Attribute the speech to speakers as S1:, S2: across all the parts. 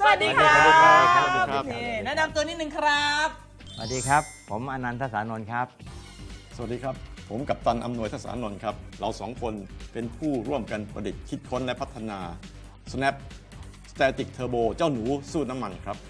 S1: สวัสดีครับ
S2: นี่
S1: แนะนำตัวนิดนึงครับ
S3: สวัสดีครับผมอนันทสานนท์ครับ
S2: สวัสดีครับผมกัปตันอำนวยทศานนท์ครับเราสองคนเป็นผู้ร่วมกันประดิษฐ์คิดค้นและพัฒนา Snap Static Turbo เจ้าหนูสู้น้ำมันครับ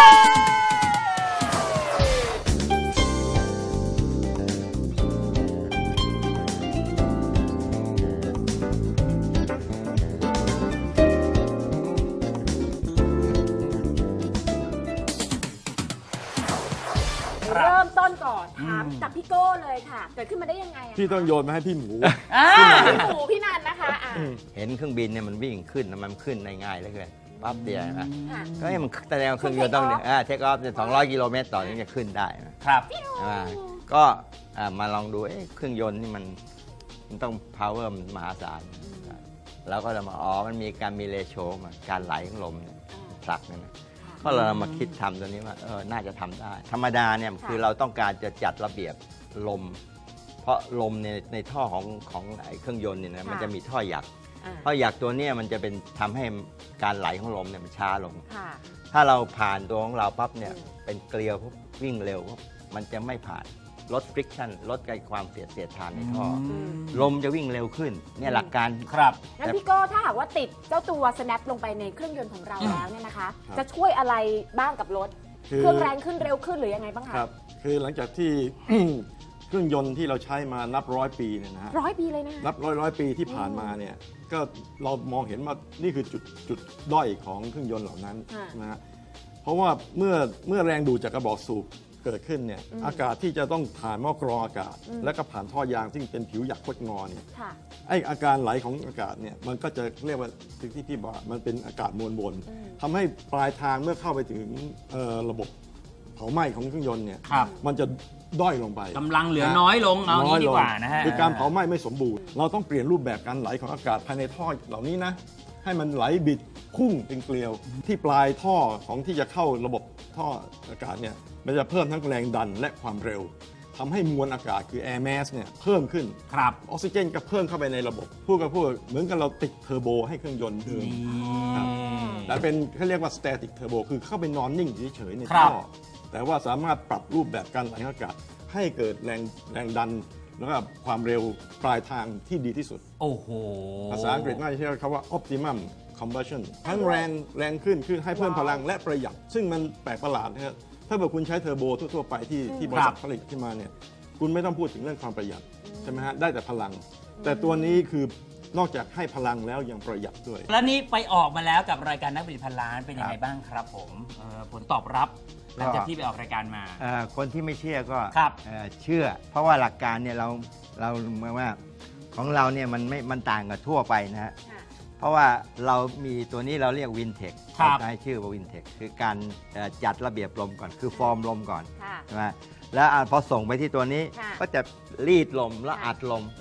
S4: เริ่มต้นก่อนถามจากพี่โก้เลยค่ะเกิดขึ้นมาได้ยังไงอะ
S2: พี่ต้องโยนมาให้พี่หมู
S4: พี่หมูพี่นันนะคะ
S3: เห็นเครื่องบินเนี่ยมันวิ่งขึ้นมันขึ้นได้ง่ายเหลือเกินปั๊บเดียวนะ
S4: ค่ะ
S3: ก็ให้มันแสดงว่าเครื่องยนต์ต้องเทคออฟ200 กิโลเมตรต่อถึงจะขึ้นได้นะครับ ก็มาลองดูเครื่องยนต์นี่มันต้อง power มหาศาลแล้วก็เรามามันมีการมีเรโชมาการไหลของลมเนี่ยผลักเนี่ยนะก็เรามาคิดทำตัวนี้ว่าน่าจะทำได้ธรรมดาเนี่ยคือเราต้องการจะจัดระเบียบลมเพราะลมในท่อของเครื่องยนต์เนี่ยนะมันจะมีท่อหยักท่อหยักตัวนี้มันจะเป็นทำให้การไหลของลมเนี่ยมันช้าลงถ้าเราผ่านตัวของเราปั๊บเนี่ยเป็นเกลียววิ่งเร็วมันจะไม่ผ่านลด friction ลดความเสียดทานในท่อลมจะวิ่งเร็วขึ้นเนี่ยหลักการ
S1: ครับ
S4: งั้นพี่โก้ถ้าหากว่าติดเจ้าตัว snap ลงไปในเครื่องยนต์ของเราแล้วเนี่ยนะคะจะช่วยอะไรบ้างกับรถเครื่องแรงขึ้นเร็วขึ้นหรือยังไงบ้างคะ
S2: ครับคือหลังจากที่ เครื่องยนต์ที่เราใช้มานับร้อยปีเนี่ยนะฮะ
S4: 100 ปีเลยนะ
S2: นับร้อยปีที่ผ่านมาเนี่ยก็เรามองเห็นว่านี่คือจุดด้อยของเครื่องยนต์เหล่านั้นนะฮะเพราะว่าเมื่อแรงดูดจากกระบอกสูบเกิดขึ้นเนี่ยอากาศที่จะต้องผ่านหม้อกรองอากาศ แล้วก็ผ่านท่อยางซึ่งเป็นผิวหยักคดงอเนี่ยไออาการไหลของอากาศเนี่ยมันก็จะเรียกว่าที่พี่บอกมันเป็นอากาศมวลบนทำให้ปลายทางเมื่อเข้าไปถึงระบบเผาไหม้ของเครื่องยนต์เนี่ยมันจะด้อยลงไป
S1: กำลังเหลือน้อยลงเอางี้ดีกว่านะฮะ
S2: คือการเผาไหม้ไม่สมบูรณ์เราต้องเปลี่ยนรูปแบบการไหลของอากาศภายในท่อเหล่านี้นะให้มันไหลบิดพุ่งเป็นเกลียวที่ปลายท่อของที่จะเข้าระบบท่ออากาศเนี่ยมันจะเพิ่มทั้งแรงดันและความเร็วทำให้มวลอากาศคือ air mass เนี่ยเพิ่มขึ้น
S1: ครับ
S2: ออกซิเจนก็เพิ่มเข้าไปในระบบพูดเหมือนกับเราติดเทอร์โบให้เครื่องยนต์เดินแต่เป็นเขาเรียกว่า static turbo คือเข้าไปนอนนิ่งเฉยๆในท่อแต่ว่าสามารถปรับรูปแบบการไหลของอากาศให้เกิดแรงดันแล้วก็ความเร็วปลายทางที่ดีที่สุด
S1: โอ้โห
S2: ภาษาอังกฤษน่าจะใช้คำว่า optimum combustion ทั้งแรงขึ้นคือให้เพิ่มพลังและประหยัดซึ่งมันแปลกประหลาดนะครับถ้าเกิดคุณใช้เทอร์โบทั่วๆไปที่บริษัทผลิตขึ้นมาเนี่ยคุณไม่ต้องพูดถึงเรื่องความประหยัดใช่ไหมฮะได้แต่พลังแต่ตัวนี้คือนอกจากให้พลังแล้วยังประหยัดด้วย
S1: แล้วนี้ไปออกมาแล้วกับรายการนักบินพันล้านเป็นยังไงบ้างครับผมผลตอบรับหลังจากที่ไปออกรายการมา
S3: คนที่ไม่เชื่อก็เชื่อเพราะว่าหลักการเนี่ยเราเหมือนว่าของเราเนี่ยมันต่างกับทั่วไปนะฮะเพราะว่าเรามีตัวนี้เราเรียกวินเทคเราให้ชื่อว่าวินเทคคือการจัดระเบียบลมก่อนคือฟอร์มลมก่อนใช่ไหมแล้วพอส่งไปที่ตัวนี้ก็จะรีดลมแล้วอัดลม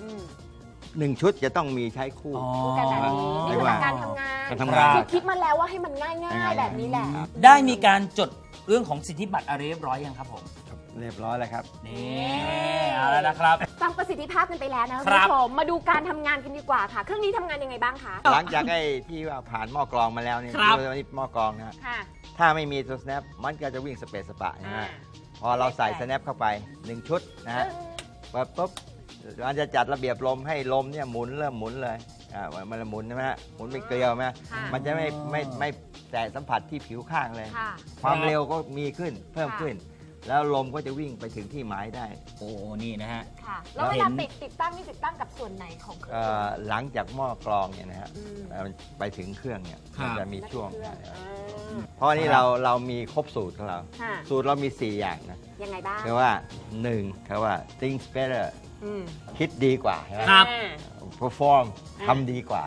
S3: 1 ชุดจะต้องมีใช้คู่
S4: กันแบบนี้นี่คือการทำงานคือคิดมาแล้วว่าให้มันง่ายๆแบบนี้แหละ
S1: ได้มีการจดเรื่องของสิทธิบัตรอะไรเรียบร้อยยังครับผม
S3: เรียบร้อยแล้วครับ
S1: นี่เอาแล้วนะครับ
S4: ฟังประสิทธิภาพกันไปแล้วนะคุณผู้ชมมาดูการทำงานกันดีกว่าค่ะเครื่องนี้ทำงานยังไงบ้างคะ
S3: หลังจากที่ว่าผ่านหม้อกรองมาแล้วเนี่ยนี่หม้อกรองนะถ้าไม่มีตัว snap มันก็จะวิ่งสเปซสปะนะฮะพอเราใส่ snap เข้าไป1 ชุดนะฮะปุ๊บมันจะจัดระเบียบลมให้ลมเนี่ยเริ่มหมุนเลยมันหมุนใช่ไหมฮะหมุนเป็นเกลียวไหมมันจะไม่แตะสัมผัสที่ผิวข้างเลยความเร็วก็มีขึ้นเพิ่มขึ้นแล้วลมก็จะวิ่งไปถึงที่หมายได้
S1: โอ้นี่นะฮะ
S4: ค่ะแล้วเวลาติดตั้งนี่ติดตั้งกับส่วนไหนของเครื่อง
S3: หลังจากหม้อกรองเนี่ยนะฮะไปถึงเครื่องเนี่ยมันจะมีช่วงเพราะนี่เรามีครบสูตรของเราสูตรเรามี4 อย่างนะ
S4: ยังไงบ้าง
S3: คือว่า1คือว่า think better คิดดีกว่าใช่ไหม
S1: ครับ
S3: perform ทำดีกว่า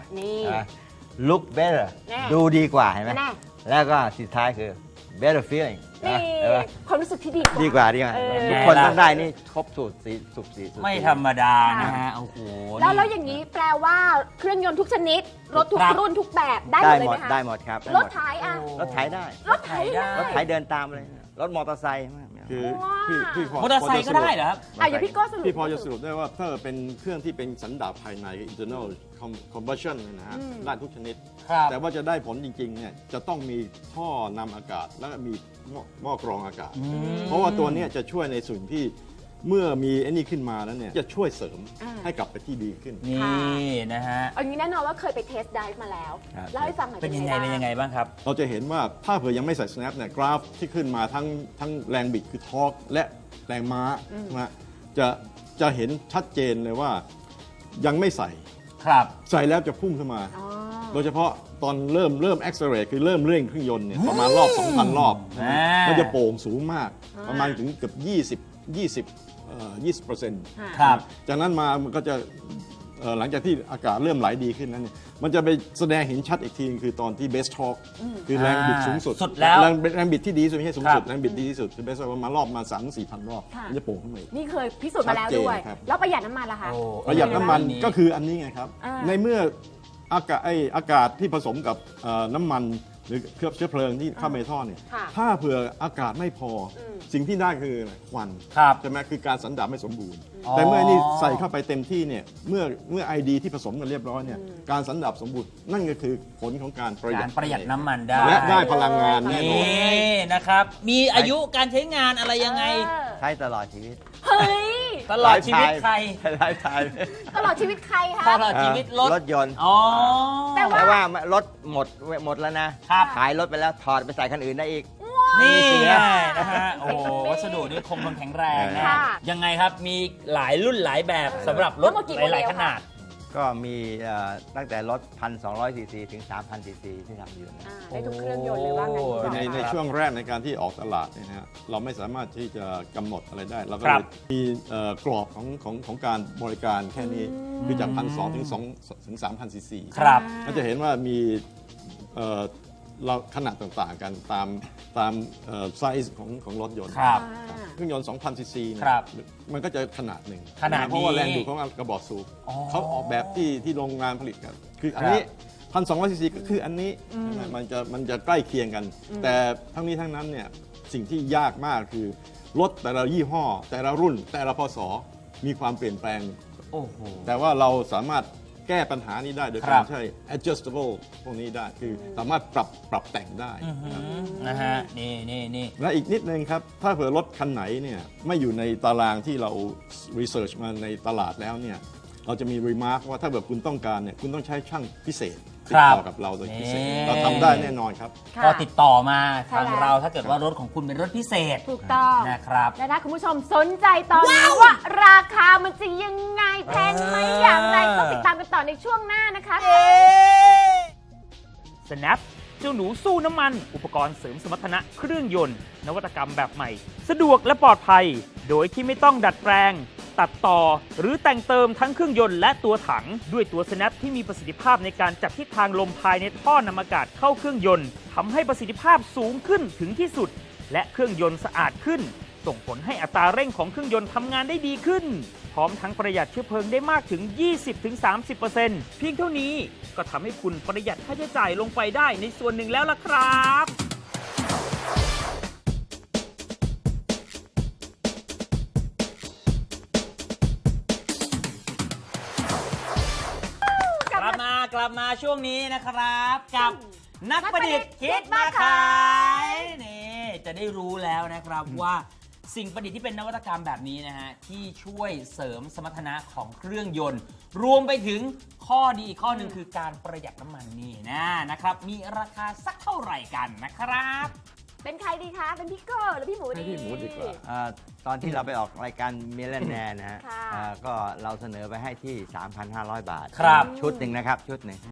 S3: look better ดูดีกว่าเห็นไหมแล้วก็สุดท้ายคือ better feeling
S4: ความรู้สึกที่
S3: ดีกว่าทุกคนต้องได้นี่ครบสูตร
S1: ไม่ธรรมดานะฮะโอ้โห
S4: แล้วอย่างนี้แปลว่าเครื่องยนต์ทุกชนิดรถทุกรุ่นทุกแบบได้หมดเลยไหมคะ
S3: ได้หมดครับ
S4: รถไถ
S3: รถไถได้
S4: รถไถ
S3: เดินตามเลยรถมอเตอร์ไซค์
S2: คือ
S4: ว้าว
S2: พี่พ
S1: มอเตอร์ไซค์ก็ได้เหรอครับ
S4: อย่าพี่โก้สรุป
S2: พี่พอจะสรุปได้ว่าถ้าเป็นเครื่องที่เป็นสันดาปภายใน internal combustion นะฮะได้ทุกชนิด
S1: ครับ
S2: แต่ว่าจะได้ผลจริงๆเนี่ยจะต้องมีท่อนำอากาศแล้วก็มีหม้อกรองอากาศ เพราะว่าตัวเนี้ยจะช่วยในส่วนที่เมื่อมีไอ้นี่ขึ้นมาแล้วเนี่ยจะช่วยเสริมให้กลับไปที่ดีขึ้น
S1: นี่นะฮะ
S4: เอางี้แน่นอนว่าเคยไปเทสไดฟ์มาแล้ว
S3: ครับ
S4: เล่าให้ฟังหน่อย
S1: เป็นยังไงเป็นยังไงบ้างครับ
S2: เราจะเห็นว่าถ้าเผื่อยังไม่ใส่ snap เนี่ยกราฟที่ขึ้นมาทั้งแรงบิดคือทอร์กและแรงม้านะฮะจะเห็นชัดเจนเลยว่ายังไม่ใส่
S1: ครับ
S2: ใส่แล้วจะพุ่งขึ้นมา
S4: อ๋อ
S2: โดยเฉพาะตอนเริ่ม accelerate คือเริ่มเร่งเครื่องยนต์เนี่ยประมาณรอบ 2,000 รอบ
S1: อ่ามั
S2: มันจะโป่งสูงมาก
S4: อ่า
S2: ประมาณถึงเกือบ20%
S1: ครับ
S2: จากนั้นมามันก็จะหลังจากที่อากาศเริ่มไหลดีขึ้นนั้นเนี่ยมันจะไปแสดงเห็นชัดอีกทีนึงคือตอนที่เบสทอร์กคือแรงบิดสูงสุด
S1: สุดแล้ว
S2: แรงบิดที่ดีที่สุดไม่ใช่สูงสุด
S1: ครับ
S2: แรงบิดดีที่สุดคือเบสทอร์กประมาณรอบมา 3-4,000 รอบ
S4: ค่ะ
S2: มันจะโป่งขึ้นมาอีก
S4: นี่เคยพิสูจน์มาแล้วด้วย
S2: ชัดเจนครับ
S4: แล้วประหยัดน้ำมันล่ะคะ
S1: โอ้
S2: ประหยัดน้ำมัน
S1: อั
S2: ก็คืออันนี้ไงครับ
S4: อ่า
S2: ในเมื่ออากาศที่ผสมกับน้ำมันหรือเคลือบเชื้อเพลิงที่เข้าไปในท่อเนี่ย
S4: ค่ะ
S2: ถ้าเผื่ออากาศไม่พออ
S4: ม
S2: สิ่งที่ได้คืออะไรควัน
S1: ครับ
S2: ใช่ไหมคือการสันดาปไม่สมบูรณ์
S1: อ๋อ
S2: แต่เมื่อนี่ใส่เข้าไปเต็มที่เนี่ยเมื่อไอดีที่ผสมกันเรียบร้อยเนี่ยการสันดาปสมบูรณ์นั่นก็คือผลของการประหยั
S1: กา
S2: ด
S1: รประหยัดน้ำมันได้
S2: และได้พลังงานแน่นอน
S1: นี่นะครับ มีอายุการใช้งานอะไรยังไง
S4: เออ
S3: ใช้ตลอดชีวิต
S4: เฮ้ย
S1: ตลอดชีวิตใคร
S3: ไลฟ์ไทม์
S4: ตลอดชีวิตใครคะ
S1: ตลอดชีวิตรถ
S3: รถยนต์
S1: อ๋อ
S4: แต่
S3: แต่ว่ารถหมดแล้วนะ
S1: ครับ
S3: ขายรถไปแล้วถอดไปใส่คันอื่นได้อีก
S1: นี่ไงนะฮะ โอ้โหวัสดุนี่คงทนแข็งแรงนะ
S4: ค่ะ
S1: ยังไงครับ มีหลายรุ่นหลายแบบสำหรับรถ
S4: ทั้งหมดกี่โมเดล
S1: หลายๆขนาด
S3: ก็มีตั้งแต่รถ 1,200 ซีซีถึง 3,000 ซีซีที่ทำอยู่นะ
S4: อ่าได้ทุกเครื่องยนต์เลยว่างั้นดีกว่า
S2: ในช่วงแรกในการที่ออกตลาดเนี่ยนะฮะเราไม่สามารถที่จะกำหนดอะไรได้ เราก็
S1: ครั
S2: เล
S1: บ
S2: ยมีกรอบของการบริการแค่นี้คือจาก 1,200 ถึง 3,000 ซีซี
S1: ครับ
S2: ก็จะเห็นว่ามีเราขนาดต่างๆกันตามไซส์ของรถยนต์
S1: ครับ
S2: เครื่องยนต์ 2,000 ซีซีเนี่ย
S1: ครับ
S2: มันก็จะขนาดหนึ่ง
S1: ขนาดนี้
S2: เพราะว่าแรงดูดของกระบอกสูบ
S1: อ๋อ
S2: เขาออกแบบที่โรงงานผลิตกันคืออันนี้ 1,200 ซีซีก็คืออันนี้มันจะใกล้เคียงกัน แต่ทั้งนี้ทั้งนั้นเนี่ยสิ่งที่ยากมากคือรถแต่ละยี่ห้อ แต่ละรุ่น แต่ละพศมีความเปลี่ยนแปลง
S1: โอ้โห
S2: แต่ว่าเราสามารถแก้ปัญหานี้ได้โดย
S1: ครั
S2: การ
S1: บ
S2: ใช้ adjustable พวกนี้ได้คือสามารถปรับแต่งได้
S1: นะฮะ นี่
S2: และอีกนิดนึงครับ ถ้าเผื่อรถคันไหนเนี่ยไม่อยู่ในตารางที่เรา research มาในตลาดแล้วเนี่ยเราจะมี remark ว่าถ้าแบบคุณต้องการเนี่ยคุณต้องใช้ช่างพิเศษติดต่อกับเราโดยพิเศษ
S1: นี่
S2: เราทำได้แน่นอนครับ
S4: ค่ะ
S1: ก็ติดต่อมา
S4: ใช่
S1: ทาง
S4: แล้ว
S1: เราถ้าเกิดว่ารถของคุณเป็นรถพิเศษ
S4: ถูกต้อง
S1: นะครับ
S4: และถ้าคุณผู้ชมสนใจตอนนี้ว่าราคามันจะยังไงแพงไหมอย่างไรต้องติดตามกันต่อในช่วงหน้านะคะ
S5: Snap เจ้าหนูสู้น้ำมัน อุปกรณ์เสริมสมรรถนะเครื่องยนต์ นวัตกรรมแบบใหม่ สะดวกและปลอดภัย โดยที่ไม่ต้องดัดแปลง ตัดต่อ หรือแต่งเติมทั้งเครื่องยนต์และตัวถัง ด้วยตัว Snap ที่มีประสิทธิภาพในการจับทิศทางลมภายในท่อนำอากาศเข้าเครื่องยนต์ทำให้ประสิทธิภาพสูงขึ้นถึงที่สุด และเครื่องยนต์สะอาดขึ้น ส่งผลให้อัตราเร่งของเครื่องยนต์ทำงานได้ดีขึ้น พร้อมทั้งประหยัดเชื้อเพลิงได้มากถึง 20-30% เพียงเท่านี้ก็ทำให้คุณประหยัดค่าใช้จ่ายลงไปได้ในส่วนหนึ่งแล้วล่ะครับ
S1: กลับมาช่วงนี้นะครับ กับนักประดิษฐ์คิดมาขายนี่จะได้รู้แล้วนะครับว่าสิ่งประดิษฐ์ที่เป็นนวัตกรรมแบบนี้นะฮะที่ช่วยเสริมสมรรถนะของเครื่องยนต์ รวมไปถึงข้อดีอีกข้อหนึ่งคือการประหยัดน้ำมันนี่นะครับมีราคาสักเท่าไหร่กันนะครับ
S4: เป็นใครดีคะ เป็นพี่โก้หรือพี่หมูดี
S2: ให้พี่หมูดีกว่า
S3: ตอนที่เราไปออกรายการมิลเลนแนร์นะฮะ
S4: ค่ะ
S3: ก็เราเสนอไปให้ที่ 3,500 บาท
S1: ครับ
S3: ชุดหนึ่งนะครับชุดหนึ่ง